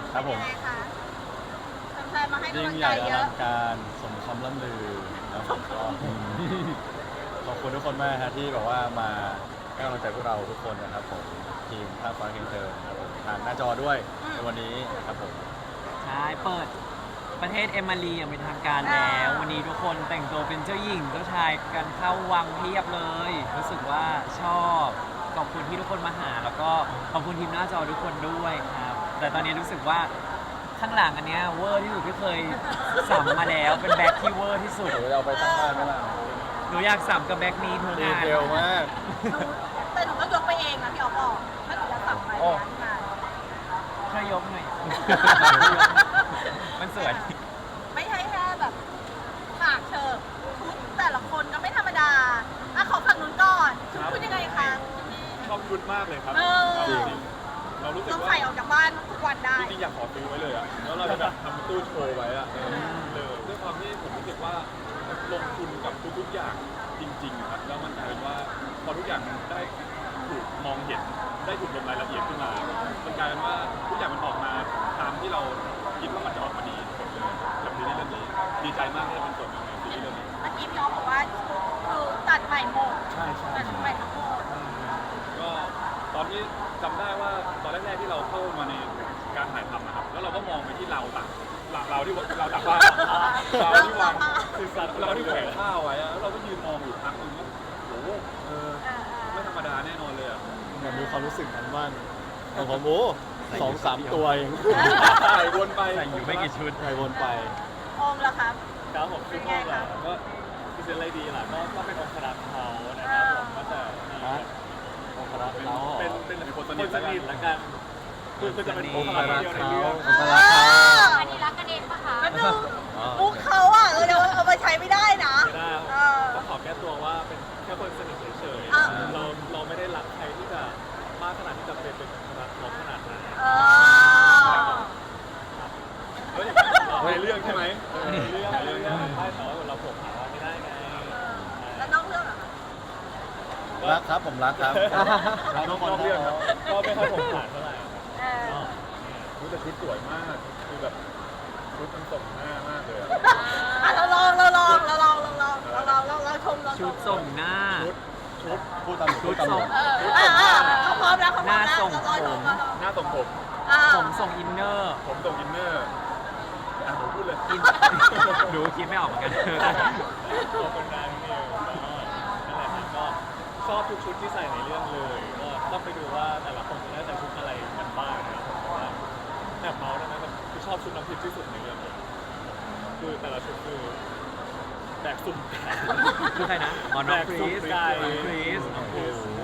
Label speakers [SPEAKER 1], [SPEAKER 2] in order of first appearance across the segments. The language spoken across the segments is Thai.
[SPEAKER 1] ครับผม
[SPEAKER 2] เป็นยังไงคะแฟนๆมาให้
[SPEAKER 1] ยิ่
[SPEAKER 2] กำลั
[SPEAKER 1] ง
[SPEAKER 2] ง
[SPEAKER 1] ให
[SPEAKER 2] ใจ
[SPEAKER 1] ญ่อ
[SPEAKER 2] เย
[SPEAKER 1] ลั
[SPEAKER 2] อะ
[SPEAKER 1] งการสมคำล่ำลือนะผมก็ขอบคุณทุกคนมากฮะที่แบบว่ามาให้กำลังใจพวกเราทุกคนนะครับผมทีมภาคฟ้าเคนเตอร์นะครับผมทางหน้าจอด้วยในวันนี้ครับผม
[SPEAKER 3] ใช่เปิดประเทศเอมารีอย่างเป็นทางการแล้ว วันนี้ทุกคนแต่งตัวเป็นเจ้าหญิงเจ้าชายกันเข้าวังเพียบเลย รู้สึกว่าชอบขอบคุณที่ทุกคนมาหา แล้วก็ขอบคุณทีมหน้าจอทุกคนด้วยครับ แต่ตอนนี้รู้สึกว่าข้างหลังอันเนี้ยเวอร์ที่สุดที่เคยสัมมาแล้วเป็นแบ็คที่เวอร์ที่สุด
[SPEAKER 1] เดี๋ยวเอาไปตั้งบ้านไหมล่ะ
[SPEAKER 3] หนูอยากสัมกับแบ็คนี้ทุก
[SPEAKER 1] ดี
[SPEAKER 3] งาน
[SPEAKER 1] เทลมาก
[SPEAKER 2] แต่หนูก็ยกไปเองนะพี่อ๋อบอกถ้าหนูจะสั่งไปร้านงาน
[SPEAKER 3] ช่วยยกหน่อย มันสวย
[SPEAKER 2] ไม่ใช่แค่แบบฉากเชิงชุดแต่ละคนก็ไม่ธรรมดาอ่ะขอฝั่งนู้นก่อนชุดคุณยังไงคะ
[SPEAKER 4] ชอบชุดมากเลยครับ
[SPEAKER 2] เออ
[SPEAKER 4] จริงๆเรารู้สึก
[SPEAKER 2] ต้อง
[SPEAKER 4] ว่า
[SPEAKER 2] ใส่ออกจากบ้านทุกวันได้
[SPEAKER 4] จริงๆอยากขอซื้อไว้เลยอ่ะแล้วเราจะแบบทำตู้โชว์ไว้อ่ะเลยด้วยความที่ผมรู้สึกว่าลงทุนกับทุกๆอย่างจริงๆครับแล้วมันกลายเป็นว่าพอทุกอย่างมันได้ถูกมองเห็นได้ถูกลงรายละเอียดขึ้นมามันกลายเป็นว่าทุกอย่างมันออกมาตามที่เราคิดว่ามันจะออกมาดีหมดเลยกับซีรีส์เรื่องนี้ดีใจมากที่ได้เป็นส่วนหนึ่งในซีรีส์เรื่องนี้
[SPEAKER 2] เมื่อกี้พี่อ๋อบอกว่าคือตัดใหม่หมด
[SPEAKER 4] ใช่ใช่
[SPEAKER 2] ตัดใหม่ทั้งหมด
[SPEAKER 4] ก็ตอนนี้จำได้ว่าตอนแรกๆที่เราเข้ามาในการถ่ายทำนะครับแล้วเราก็มองไปที่เราตักเราที่เราตักผ้าเราที่วางคือเราที่แขวนผ้าไว้อะแล้วเราก็ยืนมองอยู่พักหนึงว่าโอ้โหไม่ธรรมดาแน่นอนเลยอ่ะ
[SPEAKER 1] อยากมีความรู้สึกนั้นบ้างของผมโอ้2-3 ตัวเอง
[SPEAKER 4] ถ่ายวนไป
[SPEAKER 3] ใส่อยู่ไม่กี่ชุด
[SPEAKER 1] ไปวนไป
[SPEAKER 2] โอมแล้วครับ
[SPEAKER 4] ครับผม
[SPEAKER 2] เป็นไงคะ
[SPEAKER 4] ก็พิเศษอะไรดีล่ะก็เป็นองค์ครักษ์เขานะครับผมก็จะ
[SPEAKER 1] ฮะองค์พระเขา
[SPEAKER 4] เป็นคนสนิทละกันคือจะเป็นองค์ครักษ์เดียวในเรื่อง
[SPEAKER 1] องค์พระเขา
[SPEAKER 2] อันนี้รักกันเองปะคะมันดูมุกเขาอ่ะเดี๋ยวเอาไปใช้ไม่ได้นะ
[SPEAKER 4] ไม่ได้
[SPEAKER 2] เออ
[SPEAKER 4] ก็ขอแก้ตัวว่าเป็นแค่คนสนิทเฉย
[SPEAKER 2] อ่า
[SPEAKER 4] ๆเราไม่ได้รักใครที่จะมากขนาดที่จะเป็นรักเขาขนาดนั้น
[SPEAKER 2] เออ
[SPEAKER 4] เฮ้ยในเรื่องใช่ไหมในเรื่องใช่ไหมแต่ว่าเราผมหาว่าไม่ได้ไง
[SPEAKER 2] แล้วนอกเรื่องเหรอคะ
[SPEAKER 1] รักครับผมรักครับรักทุกคน
[SPEAKER 4] นอกเรื่องครับก็ไม่ค่อยผมผ่านเท่าไหร่
[SPEAKER 2] เออ
[SPEAKER 4] รู้แต่ชุดสวยมากคือแบบชุดมันส่งหน้ามากเลยอะ
[SPEAKER 2] อ่ะเราลองชม
[SPEAKER 3] ชุดส่งหน้า
[SPEAKER 4] ชุด
[SPEAKER 1] พูดตามพูดตาม
[SPEAKER 2] เขาพร้อมแล้วเขาพร้อมแล้ว
[SPEAKER 3] หน้าส่ง
[SPEAKER 2] เราลอง
[SPEAKER 4] หน้าส่งผม
[SPEAKER 3] ผมส่งอินเนอร์
[SPEAKER 4] ผมส่งอินเนอร์อ่ะผมพูดเลย
[SPEAKER 3] ดูคิดไม่ออกเหมือนกัน
[SPEAKER 4] ขอบคุณนายนิวนั่นแหละครับก็ชอบทุกชุดที่ใส่ในเรื่องเลยก็ต้องไปดูว่าแต่ละคนจะได้แต่ชุดอะไรกันบ้างนะครับผมแต่ว่าแอบเมาส์ได้ไหมแบบคือชอบชุดน้ำพริกที่สุดในเรื่องเลยคือแต่ละชุดคือแบกสุ่มไก่
[SPEAKER 3] คือใครนะอ๋อน้องคริส
[SPEAKER 4] ไก่
[SPEAKER 3] น้องคริสโอ้โห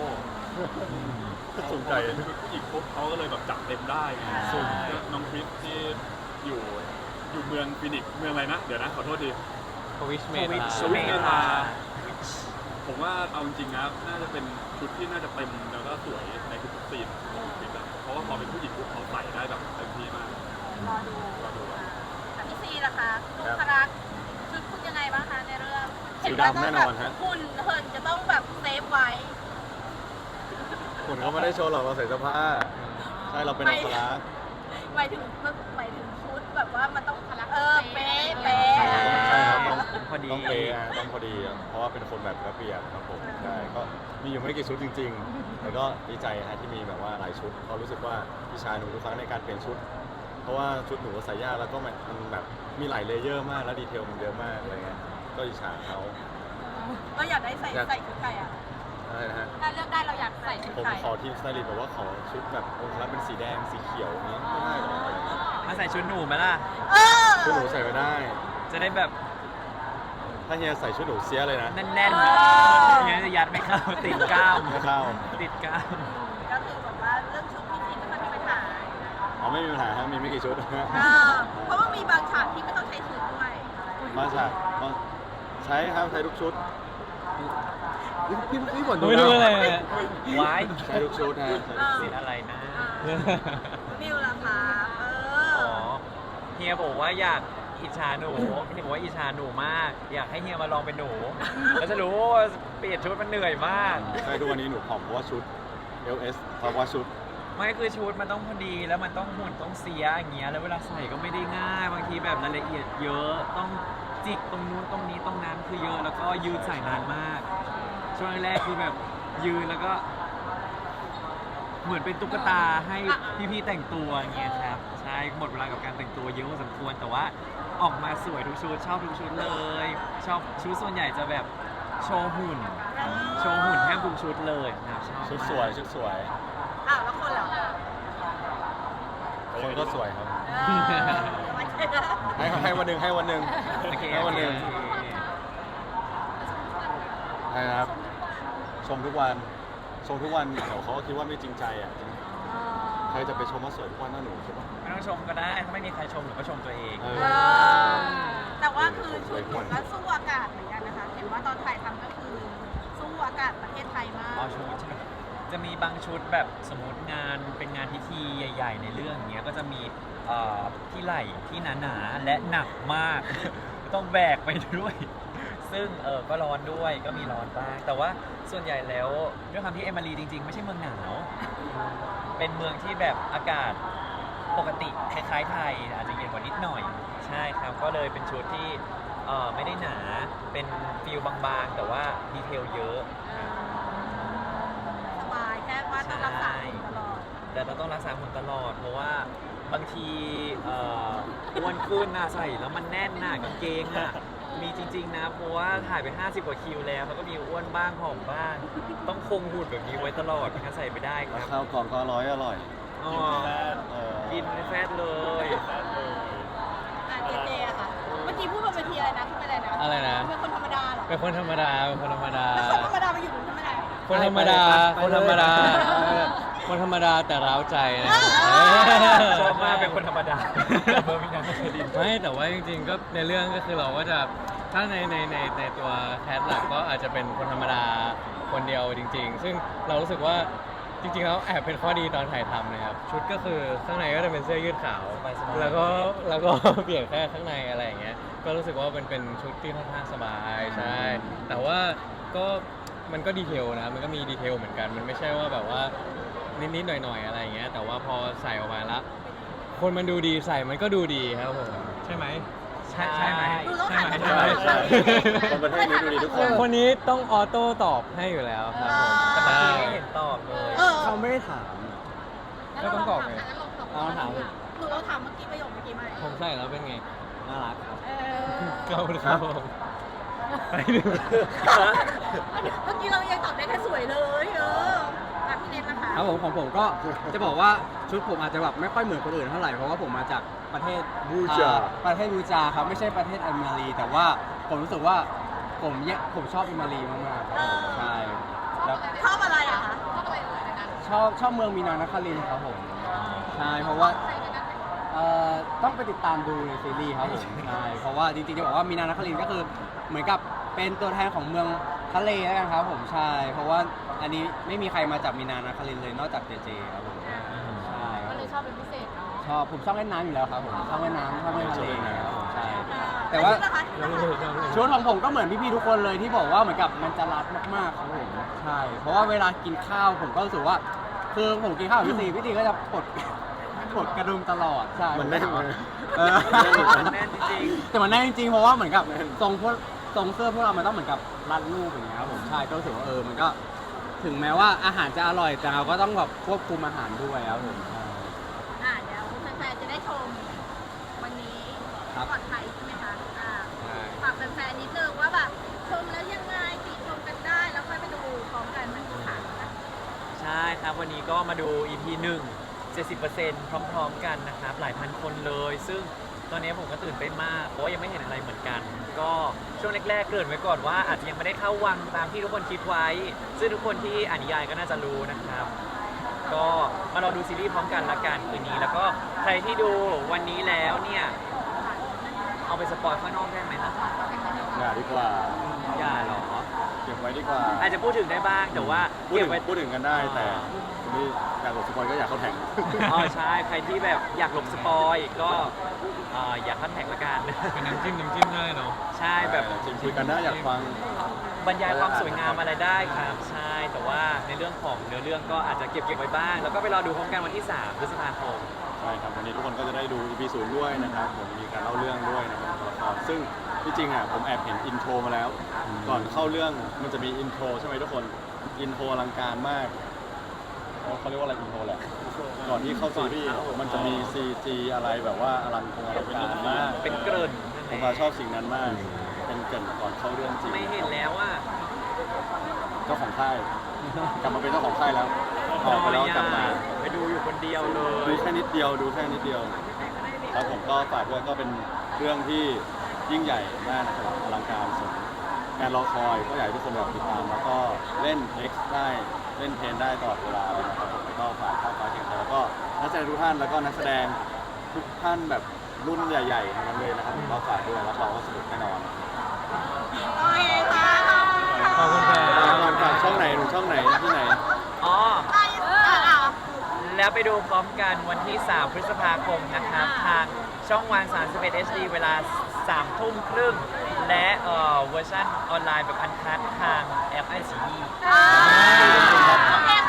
[SPEAKER 1] สุ่มไก่
[SPEAKER 4] ชุดผู้หญิงปุ๊บเขาก็เลยแบบจับเต็มได้ไงสุ่มน้องคริสที่อยู่เมืองฟินิกซ์เมืองอะไรนะเดี๋ยวนะขอโทษที
[SPEAKER 3] ทวิชเม
[SPEAKER 4] ทวิชเมธา ผมว่าเอาจริงๆนะน่าจะเป็นชุดที่น่าจะเต็มแล้วก็สวยในทุกๆซีนของคลิปอะเพราะว่าพอเป็นผู้หญิงปุ๊บเขาใส่ได้แบบเต็มที่มาก
[SPEAKER 2] รอดู
[SPEAKER 4] รอดูอะ
[SPEAKER 2] แต่พี่ซีล่ะคะลูกคารักชุดคุณยังไงบ้างคะในเรื่อง
[SPEAKER 1] สีดำแน่นอนฮะ
[SPEAKER 2] หุ่นเหินจะต้องแบบเซฟไว้
[SPEAKER 1] คุณเขาไม่ได้โชว์หรอกเราใส่เสื้อผ้าใช่เราเป็นองค์พระ
[SPEAKER 2] หมายถึงชุดแบบว่ามันต้องคารักเป๊ะ
[SPEAKER 1] ใช่ครับต้อง
[SPEAKER 3] พอดี
[SPEAKER 1] ต้องเป๊ะอะต้องพอดีอะเพราะว่าเป็นคนแบบระเบียบครับผมใช่ก็มีอยู่ไม่กี่ชุดจริงๆแต่ก็ดีใจฮะที่มีแบบว่าหลายชุดเพราะรู้สึกว่าพี่ชายหนูทุกครั้งในการเปลี่ยนชุด เพราะว่าชุดหนูใส่ยากแล้วก็มันแบบมีหลายเลเยอร์มากแล้วดีเทลมันเยอะมากอะไรเงี้ยก็อิจฉาเขา
[SPEAKER 2] เราอยากได้ใส่ชุดไทยอ่ะ
[SPEAKER 1] อะไรนะฮะ
[SPEAKER 2] ถ้าเลือกได้เราอยากใส่ชุด
[SPEAKER 1] ผม
[SPEAKER 2] ไทย
[SPEAKER 1] ขอทีมสไตลิสต์แบบว่าขอชุดแบบองค์พระเป็นสีแดงสีเขียวอย่างนี้ไม่ได้หรอ
[SPEAKER 3] มาใส่ชุดหนูไหมล่ะ
[SPEAKER 1] ชุดหนูใส่ไม่ได้
[SPEAKER 3] จะได้แบบ
[SPEAKER 1] ถ้าเฮียใส่ชุดหนูเสียเลยนะ
[SPEAKER 3] แน่นๆอย่างนี้จะยัดไม่เข้าติดกล้าม
[SPEAKER 1] ไม่เข้า
[SPEAKER 3] ติดกล้าม
[SPEAKER 2] ก็คือแบบว่าเรื่องชุดพี่ซีไม่ค่อยมีปัญหา
[SPEAKER 1] อ๋อไม่มีปัญหาฮะมีไม่กี่ชุด
[SPEAKER 2] เพราะว่ามีบางฉากที่ไม่ต้องใช้ชุดด้วย
[SPEAKER 1] มาจากมาใช้ครับใช้ทุกชุดพี่บ่น
[SPEAKER 3] ไม่รู้อะไรวาย
[SPEAKER 1] ใช้ทุกชุดฮะใช้ทุก
[SPEAKER 3] สี
[SPEAKER 1] ชุด
[SPEAKER 3] อะไรนะ
[SPEAKER 2] มิวล่ะคะ
[SPEAKER 3] อ๋อเฮียบอกว่าอยากอิจฉาหนูเฮียบอกว่าอิจฉาหนูมาก อยากให้เฮียมาลองเป็นหนู แล้วจะรู้ว่าเปลี่ยนชุดมันเหนื่อยมาก
[SPEAKER 1] ใช่ทุกวันนี้หนูผอมเพราะว่าชุด LS เพราะว่าชุด
[SPEAKER 3] ไม่คือชุดมันต้องพอดีแล้วมันต้องหุ่นต้องเสียอย่างเงี้ยแล้วเวลาใส่ก็ไม่ได้ง่ายบางทีแบบรายละเอียดเยอะต้องจิกตรงนู้นตรงนี้ตรงนั้นคือเยอะแล้วก็ยืนใส่นานมาก ช่วงแรกคือแบบยืนแล้วก็ เหมือนเป็นตุ๊กตาให้พี่ๆแต่งตัวอย่างเงี้ยครับใช่หมดเวลากับการแต่งตัวเยอะพอสมควรแต่ว่าออกมาสวยทุกชุดชอบทุกชุดเลย ชอบชุดส่วนใหญ่จะแบบโชว์หุ่นแทบทุกชุดเลยนะครับชอบ
[SPEAKER 1] ชุด
[SPEAKER 3] มาก
[SPEAKER 1] สวยชุดสวย
[SPEAKER 2] อ้าวแล้วคนเหรอ
[SPEAKER 1] คนก็สวยครับ
[SPEAKER 2] ไม่ใช่
[SPEAKER 1] ให้วันหนึ่งให้วันหนึ่ง
[SPEAKER 3] โอเค
[SPEAKER 1] ให้วันหนึ่ง
[SPEAKER 3] โอเค
[SPEAKER 1] ใช่นะครับ ชมทุกวันเดี๋ยวเขาก็คิดว่าไม่จริงใจอ่ะใครจะไปชมว่าสวยทุกวันน่าหนูใช่ปะ
[SPEAKER 3] ไม่ต้องชมก็ได้ถ้าไม่มีใครชมหนูก็ชมตัวเอง
[SPEAKER 1] เออ
[SPEAKER 2] แต่ว่าคือชุดหนูก็สู้อากาศเหมือนกันนะคะ เห็นว่าตอนถ่ายทำก็คือสู้อากาศประเทศไทยมาก
[SPEAKER 3] อ๋อชุดใช่ไหมจะมีบางชุดแบบสมมติงานเป็นงานพิธีใหญ่ ๆ ในเรื่องอย่างเงี้ยก็จะมีที่ไหล่ที่หนาๆและหนักมาก ต้องแบกไปด้วย ซึ่งก็ร้อนด้วยก็มีร้อนบ้างแต่ว่าส่วนใหญ่แล้วด้วยความที่เอมารีจริง ๆ ไม่ใช่เมืองหนาว เป็นเมืองที่แบบอากาศปกติคล้ายๆไทยอาจจะเย็นกว่านิดหน่อยใช่ครับก็เลยเป็นชุดที่ไม่ได้หนาเป็นฟิลบางๆ แต่ว่าดีเทลเยอะ
[SPEAKER 2] สบายแค่ว่าต้องรักษาหุ่นตลอด
[SPEAKER 3] แต่เราต้องรักษาหุ่นตลอด เพราะว่าบางทีอ้วนขึ้นนะใส่แล้วมันแน่นหน้ากางเกงอ่ะมีจริงๆนะเพราะว่าถ่ายไป50 กว่าคิวแล้วแล้วก็มีอ้วนบ้างผอมบ้างต้องคงหุ่นแบบนี้ไว้ตลอดไม่งั้นใส่ไม่ได้ค
[SPEAKER 1] แล้ว
[SPEAKER 3] รับ
[SPEAKER 1] ข้าวกล่องก็อร่อย
[SPEAKER 3] อ๋อ
[SPEAKER 1] เออ
[SPEAKER 3] กินไม่แฟตเลย
[SPEAKER 2] เจเจอะค่ะ เมื่อกี้พูดบนเวทีอะไรนะพูดอะไรนะ
[SPEAKER 5] อะไรนะ
[SPEAKER 2] เป็นคนธรรมดาเหรอ
[SPEAKER 5] เป็นคนธรรมดา เป็นคนธรรมดา
[SPEAKER 2] แล้วคนธรรมดามาอยู่ตรงนี้ทำไมได้
[SPEAKER 5] คนธรรมดา คนธรรมดาเออคนธรรมดาแต่ร้าวใจนะ
[SPEAKER 3] ชอบมากเป็นคนธรรมดาเบอร์มินาไม่เคยดิน
[SPEAKER 5] ไม่แต่ว่าจริงๆก็ในเรื่องก็คือเราก็จะถ้าในตัวแคสหลักก็อาจจะเป็นคนธรรมดาคนเดียวจริง ๆ ซึ่งเรารู้สึกว่าจริงๆแล้วแอบเป็นข้อดีตอนถ่ายทำนะครับชุดก็คือข้างในก็จะเป็นเสื้อยืดขาว
[SPEAKER 3] สบายๆ
[SPEAKER 5] แล้วก็ เปลี่ยนแค่ข้างในอะไรอย่างเงี้ยก็รู้สึกว่าเป็นชุดที่ค่อนข้างสบายใช่แต่ว่าก็มันก็ดีเทลนะมันก็มีดีเทลเหมือนกันมันไม่ใช่ว่าแบบว่านิดๆหน่อยๆอะไรอย่างเงี้ยแต่ว่าพอใส่ออกมาแล้วคนมันดูดีใส่มันก็ดูดีครับผมใช่ไหมใช่ไหม
[SPEAKER 2] ดูแล้วหันมา
[SPEAKER 1] ใช่ใช่คนประเทศนี้ดูดีทุกคน
[SPEAKER 5] คนนี้ต้องออโต้ตอบให้อยู่แล้วครับผม
[SPEAKER 3] แต่เมื่อ
[SPEAKER 5] ใช่
[SPEAKER 3] กี้ไม่เห็นตอบเลย
[SPEAKER 2] เออ
[SPEAKER 5] เขาไม่ได้ถาม
[SPEAKER 2] งั้นเราลองถามงั้นลองถาม
[SPEAKER 5] เอาถาม
[SPEAKER 2] หนูเราถามเมื่อกี้ประโยคเมื่อกี้ไหม
[SPEAKER 5] ผมใส่แล้วเป็นไงน่ารักครับ
[SPEAKER 2] เออ
[SPEAKER 5] ขอบคุณครับผมไปดู
[SPEAKER 2] เมื่อกี้เรายังตอบได้แค่สวยเลยพี่เน็ตนะคะ
[SPEAKER 6] ครับผมของผมก็จะบอกว่าชุดผมอาจจะแบบไม่ค่อยเหมือนคนอื่นเท่าไหร่เพราะว่าผมมาจากประเทศ
[SPEAKER 1] บูจา
[SPEAKER 6] ประเทศบูจาครับไม่ใช่ประเทศแอมมารีแต่ว่าผมรู้สึกว่าผมชอบแอมมารีมากๆครับผมใช่แล้ว
[SPEAKER 2] ชอบอะไรอะคะ
[SPEAKER 6] ชอบเมืองมีนานครินทร์ครับผมใช่เพราะว่าต้องไปติดตามดูในซีรีส์ครับผมใช่เพราะว่าจริงๆจะบอกว่ามีนานครินทร์ก็คือเหมือนกับเป็นตัวแทนของเมืองทะเลแล้วกันครับผมใช่เพราะว่าอันนี้ไม่มีใครมาจากมีนานครินทร์เลยนอกจากเจเจครับผมใช่ครับ
[SPEAKER 2] ก็เลยชอบเป็นพิเศษเนาะ
[SPEAKER 6] ผมชอบเล่นน้ำอยู่แล้วครับผมชอบเล่นน้ำชอบเล่นทะเลครับผมใช่ แต่
[SPEAKER 2] แต่
[SPEAKER 6] ว่า
[SPEAKER 2] ชุดนะคะ
[SPEAKER 6] ชุดของผมก็เหมือนพี่ๆทุกคนเลยที่บอกว่าเหมือนกับมันจะรัดมากๆครับผมใช่เพราะว่าเวลากินข้าวผมก็รู้สึกว่าคือผมกินข้าวกับพี่ตีก็จะปลดกระดุมตลอดใช่
[SPEAKER 1] มันแน่น
[SPEAKER 6] เออ
[SPEAKER 3] มันแน่นจริง
[SPEAKER 6] แต่มันแน่นจริงๆเพราะว่าเหมือนกับทรงเสื้อพวกเรามันต้องเหมือนกับรัดรูปอย่างเงี้ยครับผมใช่ก็รู้สึกว่ามันก็ถึงแม้ว่าอาหารจะอร่อยแต่เราก็ต้องแบบควบคุมอาหารด้วยครับผมใช่
[SPEAKER 2] เดี๋ยวแฟนๆจะได้ชมวันนี้
[SPEAKER 6] ครับ
[SPEAKER 2] ก่อนไทยใช่ไหมคะ
[SPEAKER 6] ใช่
[SPEAKER 2] ฝากแฟนๆนิดนึงว่าแบบชมแล้วยังไงติชมกันได้แล้วค่อยไปดูพร้อมกันมันค่ะ
[SPEAKER 3] ๆ ใช่ครับวันนี้ก็มาดู EP 1 70%พร้อมๆกันนะครับหลายพันคนเลย ซึ่งตอนนี้ผมก็ตื่นเต้นมากเพราะว่ายังไม่เห็นอะไรเหมือนกัน ก็ช่วงแรกๆเกริ่นไว้ก่อนว่าอาจจะยังไม่ได้เข้าวังตามที่ทุกคนคิดไว้ ซึ่งทุกคนที่อ่านนิยายก็น่าจะรู้นะครับ ก็มารอดูซีรีส์พร้อมกันละกันคืนนี้ แล้วก็ใครที่ดูวันนี้แล้วเนี่ยเอาไปสปอยข้างนอกได้ไหมล่ะ
[SPEAKER 1] อย่าดีกว่า
[SPEAKER 3] อย่าหรอ
[SPEAKER 1] เก็บไว้ดีกว่า
[SPEAKER 3] อาจจะพูดถึงได้บ้างแต่ว่า
[SPEAKER 1] พูด
[SPEAKER 3] เก็
[SPEAKER 1] ถึ
[SPEAKER 3] บ
[SPEAKER 1] ง
[SPEAKER 3] ไว้
[SPEAKER 1] พูดถึงกันได้แต่คนที่อยากหลบสปอยก็อยากเข้าแท็ก
[SPEAKER 3] อ๋อใช่ใครที่แบบอยากหลบสปอยก็อยากคัดแท็กละกัน
[SPEAKER 5] เป็นน้ำจิ้มได้เนาะ
[SPEAKER 3] ใช่แบบ
[SPEAKER 1] จริงคุยกันได้อยากฟัง
[SPEAKER 3] บรรยายความสวยงามอะไรได้ครับ ใช่แต่ว่าว่าในเรื่องของเนื้อเรื่องก็อาจจะเก็บไว้บ้าง แล้วก็ไปรอดูพร้อมกันวันที่ 3 พฤษภาคม
[SPEAKER 1] ใช่ครับวันนี้ทุกคนก็จะได้ดู EP 0ด้วยนะครับผมมีการเล่าเรื่องด้วยนะครับตัวละครซึ่งที่จริงอ่ะผมแอบเห็นอินโทรมาแล้ว ก่อนเข้าเรื่องมันจะมีอินโทรใช่ไหมทุกคนอินโทรอลังการมากเขาเรียกว่าอะไรอินโทรแหละก่อนที่เข้าซีรีส์มันจะมี CG อะไรแบบว่าอลังการมาก
[SPEAKER 3] เป็นเกริ่น
[SPEAKER 1] ผมมาชอบสิ่งนั้นมาก เป็นเกรินก่อนเข้าเรื่องจริง
[SPEAKER 3] ไม่เห็นแล้วว่า
[SPEAKER 1] เจ้าของค่ายกลับมาเป็นเจ้าของค่ายแล้วออกไปแล้วกลับมา
[SPEAKER 3] ไปดูอยู่คนเดียวเล
[SPEAKER 1] ดู
[SPEAKER 3] ย
[SPEAKER 1] แค่นิดเดียวดูแค่นิดเดียวครับผมก็ฝากด้วยก็เป็นเรื่องที่ยิ่งใหญ่มากนะครับอลังการสมการรอคอยก็อยากให้ทุกคนแบบติดตามแล้วก็เล่น X ได้เล่นเพนได้ตลอดเวลาเลยนะครับผมแล้วก็ฝากข้าวฟ้าเคียงไทยแล้วก็นักแสดงทุกท่านแล้วก็นักแสดงทุกท่านแบบรุ่นใหญ่ๆทั้งนั้นเลยนะครับผมก็ฝากด้วยรับรองว่าสนุกแน่นอน
[SPEAKER 2] โอเคค่ะ
[SPEAKER 5] ขอบคุณครับ
[SPEAKER 1] ฝากช่องไหนหนูช่องไหนที่ไหน
[SPEAKER 3] อ๋อ
[SPEAKER 2] ไป
[SPEAKER 3] แล้วไปดูพร้อมกันวันที่ 3 พฤษภาคมนะครับ ทางช่องวัน31 HD เวลา 3 ทุ่มครึ่ง และเวอร์ชันออนไลน์แบบอันคัดทางแอปไอซี
[SPEAKER 2] โอเค